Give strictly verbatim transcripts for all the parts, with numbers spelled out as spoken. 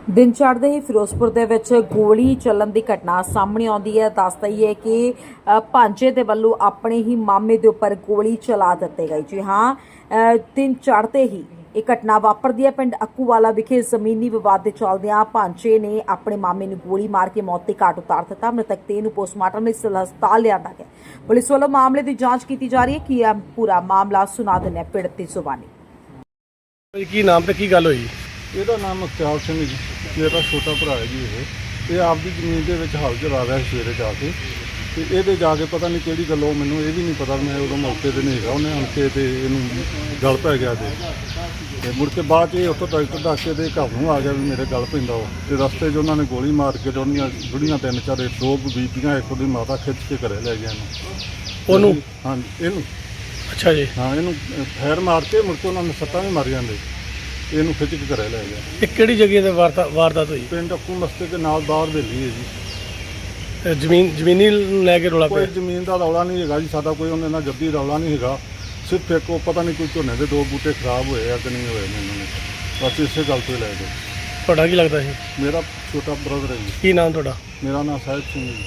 दिन चढ़ते ही फिरोजपुर ਦੇ ਵਿੱਚ ਗੋਲੀ ਚੱਲਣ ਦੀ ਘਟਨਾ ਸਾਹਮਣੇ ਆਉਂਦੀ ਹੈ। ਦੱਸਦਾ ਹੀ ਹੈ ਕਿ ਭਾਂਜੇ ਦੇ ਵੱਲੋਂ ਆਪਣੇ ਹੀ ਮਾਮੇ ਦੇ ਉੱਪਰ ਗੋਲੀ ਚਲਾ ਦਿੱਤੀ ਗਈ। ਜੀ ਹਾਂ, ਦਿਨ ਚੜ੍ਹਦੇ ਹੀ ਇਹ ਘਟਨਾ ਵਾਪਰਦੀ ਹੈ। ਪਿੰਡ ਅੱਕੂਵਾਲਾ ਵਿਖੇ ਜ਼ਮੀਨੀ ਵਿਵਾਦ ਦੇ ਚੱਲਦਿਆਂ ਭਾਂਜੇ ਨੇ ਆਪਣੇ ਮਾਮੇ ਨੂੰ ਗੋਲੀ ਮਾਰ ਕੇ ਮੌਤ ਦੇ ਘਾਟ ਉਤਾਰ ਦਿੱਤਾ। ਮ੍ਰਿਤਕ ਦੇਹ ਨੂੰ ਪੋਸਟਮਾਰਟਮ ਲਈ ਸਿਵਲ ਹਸਪਤਾਲ ਲਿਆਂਦਾ ਗਿਆ। ਪੁਲਿਸ ਵੱਲੋਂ ਮਾਮਲੇ ਦੀ ਜਾਂਚ ਕੀਤੀ ਜਾ ਰਹੀ ਹੈ। ਕੀ ਹੈ ਪੂਰਾ ਮਾਮਲਾ, ਸੁਣਾ ਦਿੰਦੇ ਹਾਂ ਪੀੜਤ ਦੀ ਜ਼ੁਬਾਨੀ। ਕੀ ਨਾਮ ਤੇ ਕੀ ਗੱਲ ਹੋਈ? ਇਹਦਾ ਨਾਮ ਮੁਖਤਿਆਰ ਸਿੰਘ ਜੀ, ਮੇਰਾ ਛੋਟਾ ਭਰਾ ਹੈ ਜੀ। ਇਹ ਇਹ ਆਪਦੀ ਜ਼ਮੀਨ ਦੇ ਵਿੱਚ ਹਲ ਚਲਾ ਰਿਹਾ ਸੀ ਸਵੇਰੇ ਜਾ ਕੇ, ਤੇ ਇਹਦੇ ਜਾ ਕੇ ਪਤਾ ਨਹੀਂ ਕਿਹੜੀ ਗੱਲੋਂ, ਮੈਨੂੰ ਇਹ ਵੀ ਨਹੀਂ ਪਤਾ, ਮੈਂ ਉਦੋਂ ਮੌਕੇ ਤੇ ਨਹੀਂ ਹੈਗਾ। ਉਹਨੇ ਆਣ ਕੇ ਤੇ ਇਹਨੂੰ ਗਲ ਪੈ ਗਿਆ ਤੇ ਤੇ ਮੁੜ ਕੇ ਬਾਅਦ 'ਚ ਇਹ ਉੱਥੋਂ ਡਾਕਟਰ ਦੱਸ ਕੇ ਦੇ ਘਰ ਨੂੰ ਆ ਗਿਆ ਵੀ ਮੇਰੇ ਗਲ ਪੈਂਦਾ ਉਹ, ਤੇ ਰਸਤੇ 'ਚ ਉਹਨਾਂ ਨੇ ਗੋਲੀ ਮਾਰ ਕੇ ਤੇ ਉਹਦੀਆਂ ਬੁੜੀਆਂ ਤਿੰਨ ਚਾਰ, ਦੋ ਬੀਬੀਆਂ, ਇੱਕ ਉਹਦੀ ਮਾਤਾ ਖਿੱਚ ਕੇ ਘਰੇ ਲੈ ਗਿਆ ਇਹਨੂੰ। ਉਹਨੂੰ? ਹਾਂਜੀ, ਇਹਨੂੰ। ਅੱਛਾ ਜੀ। ਹਾਂ, ਇਹਨੂੰ ਫੈਰ ਮਾਰ ਕੇ ਮੁੜ ਕੇ ਉਹਨਾਂ ਨੇ ਸੱਟਾਂ ਵੀ ਮਾਰ ਜਾਂਦੇ, ਇਹਨੂੰ ਖਿੱਚ ਕੇ ਘਰੇ ਲੈ ਗਿਆ। ਇਹ ਕਿਹੜੀ ਜਗ੍ਹਾ ਤੇ ਵਾਰਤਾ ਵਾਰਦਾਤ ਹੋਈ? ਪਿੰਡ ਅੱਕੂ ਮਸਤੇ ਦੇ ਨਾਲ ਬਾਹਰ ਹਵੇਲੀ ਹੈ ਜੀ। ਤੇ ਜ਼ਮੀਨ ਜ਼ਮੀਨੀ ਲੈ ਕੇ ਰੌਲਾ ਕੋਈ ਪਿਆ? ਜ਼ਮੀਨ ਦਾ ਰੌਲਾ ਨਹੀਂ ਹੈਗਾ ਜੀ ਸਾਡਾ, ਕੋਈ ਉਹਨੇ ਨਾਲ ਜੱਦੀ ਰੌਲਾ ਨਹੀਂ ਹੈਗਾ। ਸਿਰਫ ਇੱਕ ਉਹ ਪਤਾ ਨਹੀਂ ਕੋਈ ਝੋਨੇ ਦੇ ਦੋ ਬੂਟੇ ਖਰਾਬ ਹੋਏ ਆ ਕਿ ਨਹੀਂ ਹੋਏ ਨੇ, ਇਹਨਾਂ ਨੇ ਬਸ ਇਸੇ ਗੱਲ ਤੋਂ ਹੀ ਲੈ ਗਏ। ਤੁਹਾਡਾ ਕੀ ਲੱਗਦਾ ਸੀ? ਮੇਰਾ ਛੋਟਾ ਬ੍ਰਦਰ ਹੈ ਜੀ। ਕੀ ਨਾਮ ਤੁਹਾਡਾ? ਮੇਰਾ ਨਾਮ ਸਾਹਿਬ ਸਿੰਘ ਜੀ।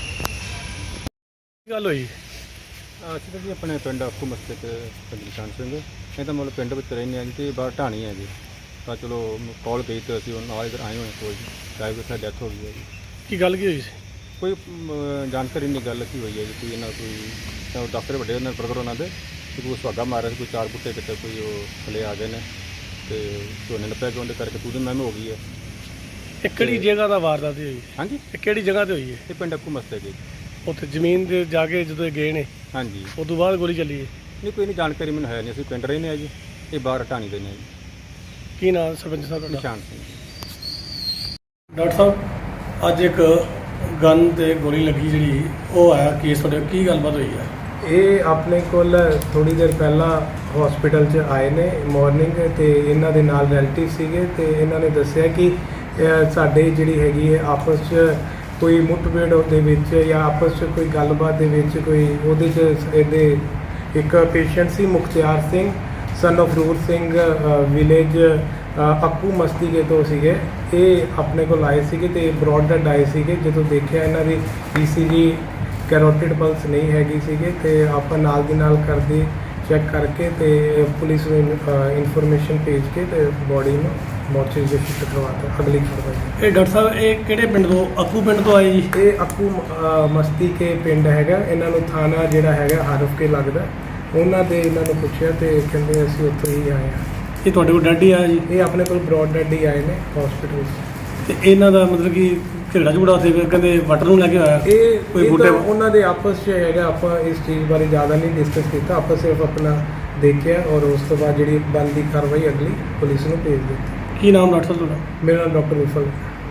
ਕੀ ਗੱਲ ਹੋਈ? ਅਸੀਂ ਤਾਂ ਜੀ ਆਪਣੇ ਪਿੰਡ ਅੱਕੂ ਮਸਤੇ ਤੇ ਪਿੰਡ ਨਿਸ਼ਾਨ ਸਿੰਘ, ਇਹ ਤਾਂ ਮਤਲਬ ਪਿੰਡ ਵਿੱਚ ਰਹਿੰਦੇ ਹਾਂ ਜੀ, ਤੇ ਬਾਹਰ ਢਾਣੀ ਹੈ ਜੀ। ਤਾਂ ਚਲੋ ਕਾਲ ਗਈ ਤੇ ਅਸੀਂ ਨਾਲ ਇੱਧਰ ਆਏ ਹੋਏ ਕੋਈ ਡਰਾਈਵਰ ਦੀ ਡੈਥ ਹੋ ਗਈ ਹੈ ਜੀ। ਕੀ ਗੱਲ ਕੀ ਹੋਈ ਸੀ? ਕੋਈ ਅਮ, ਜਾਣਕਾਰੀ ਨਹੀਂ ਗੱਲ ਕੀ ਹੋਈ ਹੈ ਜੀ। ਕੋਈ ਇਹਨਾਂ ਕੋਈ ਤਾਂ ਦੱਸ ਰਹੇ ਵੱਡੇ ਉਹਨਾਂ ਬ੍ਰਦਰ ਉਹਨਾਂ ਦੇ ਕਿ ਕੋਈ ਸੁਹਾਗਾ ਮਾਰਿਆ ਸੀ, ਕੋਈ ਚਾਰ ਬੁੱਟੇ ਕਿਤੇ ਕੋਈ ਉਹ ਥੱਲੇ ਆ ਗਏ ਨੇ ਤੇ ਝੋਨੇ ਨੱਪਿਆ ਗਿਆ, ਉਹਦੇ ਕਰਕੇ ਤੂੰ ਦੀ ਮੈਂ ਹੋ ਗਈ ਹੈ। ਇਹ ਕਿਹੜੀ ਜਗ੍ਹਾ ਦਾ ਵਾਰਦਾਤ ਹੋਈ? ਹਾਂਜੀ, ਇਹ ਕਿਹੜੀ ਜਗ੍ਹਾ ਤੇ ਹੋਈ ਹੈ? ਇਹ ਪਿੰਡ ਅੱਕੂ ਮਸਤੇ ਜੀ। ਉੱਥੇ ਜ਼ਮੀਨ ਦੇ ਜਾ ਕੇ ਜਦੋਂ ਇਹ ਗਏ ਨੇ, ਹਾਂਜੀ, ਉਸ ਤੋਂ ਬਾਅਦ ਗੋਲੀ ਚੱਲੀ ਹੈ? ਨਹੀਂ ਕੋਈ ਨਹੀਂ ਜਾਣਕਾਰੀ ਮੈਨੂੰ ਹੈ ਨਹੀਂ, ਅਸੀਂ ਪਿੰਡ ਰਹਿੰਦੇ ਹਾਂ ਜੀ, ਇਹ ਬਾਹਰ ਢਾਣੀ ਦੇ ਨੇ ਜੀ। ਕੀ ਨਾਮ ਸਰਪੰਚ ਸਾਹਿਬ ਤੁਹਾਡਾ? ਨਿਸ਼ਾਨ ਸਿੰਘ ਜੀ। ਡਾਕਟਰ ਸਾਹਿਬ, ਅੱਜ ਇੱਕ ਗਨ ਤੇ ਗੋਲੀ ਲੱਗੀ ਜਿਹੜੀ ਉਹ ਆਇਆ ਕੇਸ, ਤੁਹਾਡੇ ਕੀ ਗੱਲਬਾਤ ਹੋਈ ਹੈ? ਇਹ ਆਪਣੇ ਕੋਲ ਥੋੜੀ ਦੇਰ ਪਹਿਲਾਂ ਹਸਪੀਟਲ 'ਚ ਆਏ ਨੇ ਮਾਰਨਿੰਗ, ਤੇ ਇਹਨਾਂ ਦੇ ਨਾਲ ਰਿਲੇਟਿਵ ਸੀਗੇ, ਤੇ ਇਹਨਾਂ ਨੇ ਦੱਸਿਆ ਕਿ ਅ, ਸਾਡੇ ਜਿਹੜੀ ਹੈਗੀ ਹੈ ਆਪਸ 'ਚ ਕੋਈ ਮੁੱਠਭੇੜ ਦੇ ਵਿੱਚ ਜਾਂ ਆਪਸ 'ਚ ਕੋਈ ਗੱਲਬਾਤ ਦੇ ਵਿੱਚ ਕੋਈ ਉਹਦੇ 'ਚ ਇਹਦੇ ਇੱਕ ਪੇਸ਼ੈਂਟ ਸੀ Mukhtiar Singh son of Rur Singh, village Akku Mastike ਤੋਂ ਸੀਗੇ। ਇਹ ਆਪਣੇ ਕੋਲ ਆਏ ਸੀਗੇ ਤੇ ਬਰੌਡ ਡੈਡ ਆਏ ਸੀਗੇ। ਜਦੋਂ ਦੇਖਿਆ ਇਹਨਾਂ ਦੀ ਈ ਸੀ ਜੀ ਕੈਰੋਟਿਡ ਪਲਸ ਨਹੀਂ ਹੈਗੀ ਸੀਗੇ, ਤੇ ਆਪਾਂ ਨਾਲ ਦੀ ਨਾਲ ਕਰਦੇ ਚੈੱਕ ਕਰਕੇ ਤੇ ਪੁਲਿਸ ਨੂੰ ਇਨਫੋਰਮੇਸ਼ਨ ਭੇਜ ਕੇ ਤੇ ਬੋਡੀ ਨੂੰ ਮੋਰਚਰੀ ਦੇ ਸ਼ਿਫਟ ਕਰਵਾਤਾ ਅਗਲੀ ਕਾਰਵਾਈ। ਇਹ ਡਾਕਟਰ ਸਾਹਿਬ ਇਹ ਕਿਹੜੇ ਪਿੰਡ ਤੋਂ, ਅੱਕੂ ਪਿੰਡ ਤੋਂ ਆਏ ਜੀ? ਇਹ ਅੱਕੂ ਅ, ਮਸਤੀਕੇ ਪਿੰਡ ਹੈਗਾ। ਇਹਨਾਂ ਨੂੰ ਥਾਣਾ ਜਿਹੜਾ ਹੈਗਾ ਹਰਫ ਕੇ ਲੱਗਦਾ। ਉਹਨਾਂ ਦੇ ਇਹਨਾਂ ਨੂੰ ਪੁੱਛਿਆ ਤੇ ਕਹਿੰਦੇ ਅਸੀਂ ਉੱਥੋਂ ਹੀ ਆਏ ਹਾਂ। ਇਹ ਤੁਹਾਡੇ ਕੋਲ ਡੈਡ ਹੀ ਆਇਆ ਜੀ? ਇਹ ਆਪਣੇ ਕੋਲ ਬਰੌਡ ਡੈਡ ਹੀ ਆਏ ਨੇ ਹਸਪੀਟਲ। ਤੇ ਇਹਨਾਂ ਦਾ ਮਤਲਬ ਕਿ ਝਗੜਾ ਝੁਗੜਾ ਉੱਥੇ ਫਿਰ ਕਹਿੰਦੇ ਵਟਰ ਨੂੰ ਲੈ ਕੇ ਆਇਆ ਇਹ ਕੋਈ ਇਹ ਬੂਟੇ? ਤਾਂ ਉਹਨਾਂ ਦੇ ਆਪਸ 'ਚ ਹੈਗਾ। ਆਪਾਂ ਇਸ ਚੀਜ਼ ਬਾਰੇ ਜ਼ਿਆਦਾ ਨਹੀਂ ਡਿਸਕਸ ਕੀਤਾ, ਆਪਾਂ ਸਿਰਫ ਆਪਣਾ ਦੇਖਿਆ ਔਰ ਉਸ ਤੋਂ ਬਾਅਦ ਜਿਹੜੀ ਬਣਦੀ ਕਾਰਵਾਈ ਅਗਲੀ ਪੁਲਿਸ ਨੂੰ ਭੇਜ ਦਿੱਤੀ। ਕੀ ਨਾਮ ਡਾਕਟਰ ਸਾਹਿਬ ਤੁਹਾਡਾ? ਮੇਰਾ ਨਾਮ ਡਾਕਟਰ ਵਿਫਲ।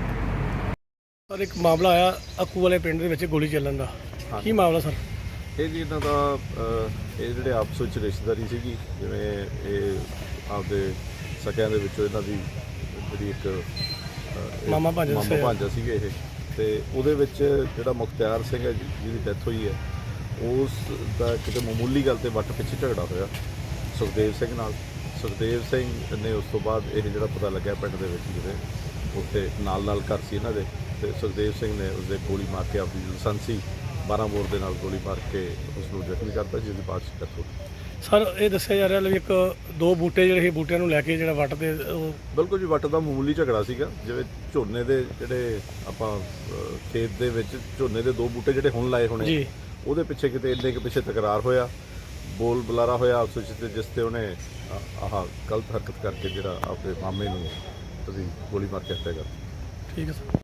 ਸਰ, ਇੱਕ ਮਾਮਲਾ ਆਇਆ ਅੱਕੂ ਵਾਲੇ ਪਿੰਡ ਦੇ ਵਿੱਚ ਗੋਲੀ ਚੱਲਣ ਦਾ, ਕੀ ਮਾਮਲਾ ਸਰ? ਇਹ ਜੀ ਇਹਨਾਂ ਦਾ ਅਹ, ਇਹ ਜਿਹੜੇ ਆਪਸ ਵਿੱਚ ਰਿਸ਼ਤੇਦਾਰੀ ਸੀਗੀ, ਜਿਵੇਂ ਇਹ ਆਪਦੇ ਸਕਿਆਂ ਦੇ ਵਿੱਚੋਂ ਇਹਨਾਂ ਦੀ ਜਿਹੜੀ ਇੱਕ ਅਹ, ਇਹ ਮਾਮਾ ਭਾਂਜਾ ਮਾਮਾ ਦੱਸਿਆ। ਭਾਂਜਾ ਸੀਗੇ ਇਹ, ਤੇ ਉਹਦੇ ਵਿੱਚ ਜਿਹੜਾ ਮੁਖਤਿਆਰ ਸਿੰਘ ਹੈ ਜਿਹਦੀ ਡੈਥ ਹੋਈ ਹੈ, ਉਸ ਦਾ ਕਿਤੇ ਮਾਮੂਲੀ ਗੱਲ ਤੇ ਵੱਟ ਪਿੱਛੇ ਝਗੜਾ ਹੋਇਆ ਸੁਖਦੇਵ ਸਿੰਘ ਨਾਲ। ਸੁਖਦੇਵ ਸਿੰਘ ਨੇ ਉਸ ਤੋਂ ਬਾਅਦ ਇਹ ਜਿਹੜਾ ਪਤਾ ਲੱਗਿਆ ਪਿੰਡ ਦੇ ਵਿੱਚ, ਜਿਹੜੇ ਉੱਥੇ ਨਾਲ ਨਾਲ ਘਰ ਸੀ ਇਹਨਾਂ ਦੇ, ਤੇ ਸੁਖਦੇਵ ਸਿੰਘ ਨੇ ਉਸਦੇ ਗੋਲੀ ਮਾਰ ਕੇ ਆਪਣੀ ਲਾਇਸੈਂਸੀ ਬਾਰਾਂ ਬੋਰ ਦੇ ਨਾਲ ਗੋਲੀ ਮਾਰ ਕੇ ਉਸ ਨੂੰ ਜ਼ਖਮੀ ਕਰਤਾ, ਜਿਸ ਦੀ ਬਾਅਦ ਡੈਥ ਹੋ ਗਈ। ਸਰ, ਇਹ ਦੱਸਿਆ ਜਾ ਰਿਹਾ ਵੀ ਇੱਕ ਦੋ ਬੂਟੇ ਜਿਹੜੇ ਇਹ ਬੂਟਿਆਂ ਨੂੰ ਲੈ ਕੇ ਜਿਹੜਾ ਵੱਟ ਤੇ ਉਹ ਬਿਲਕੁਲ ਜੀ, ਵੱਟ ਦਾ ਮਾਮੂਲੀ ਝਗੜਾ ਸੀਗਾ। ਜਿਵੇਂ ਝੋਨੇ ਦੇ ਜਿਹੜੇ ਆਪਾਂ ਅਹ, ਖੇਤ ਦੇ ਵਿੱਚ ਝੋਨੇ ਦੇ ਦੋ ਬੂਟੇ ਜਿਹੜੇ ਹੁਣ ਲਾਏ ਹੋਣੇ, ਜੀ, ਉਹਦੇ ਪਿੱਛੇ ਕਿਤੇ ਇੰਨੇ ਕੁ ਪਿੱਛੇ ਤਕਰਾਰ ਹੋਇਆ, ਬੋਲ ਬੁਲਾਰਾ ਹੋਇਆ ਆਪਸ ਵਿੱਚ, ਤੇ ਜਿਸ ਤੇ ਉਹਨੇ ਆਹ ਗਲਤ ਹਰਕਤ ਕਰਕੇ ਜਿਹੜਾ ਆਪਣੇ ਮਾਮੇ ਨੂੰ ਤੁਸੀਂ ਗੋਲੀ ਮਾਰ ਕੇ ਹੱਤਿਆ ਕਰ। ਠੀਕ ਹੈ ਸਰ।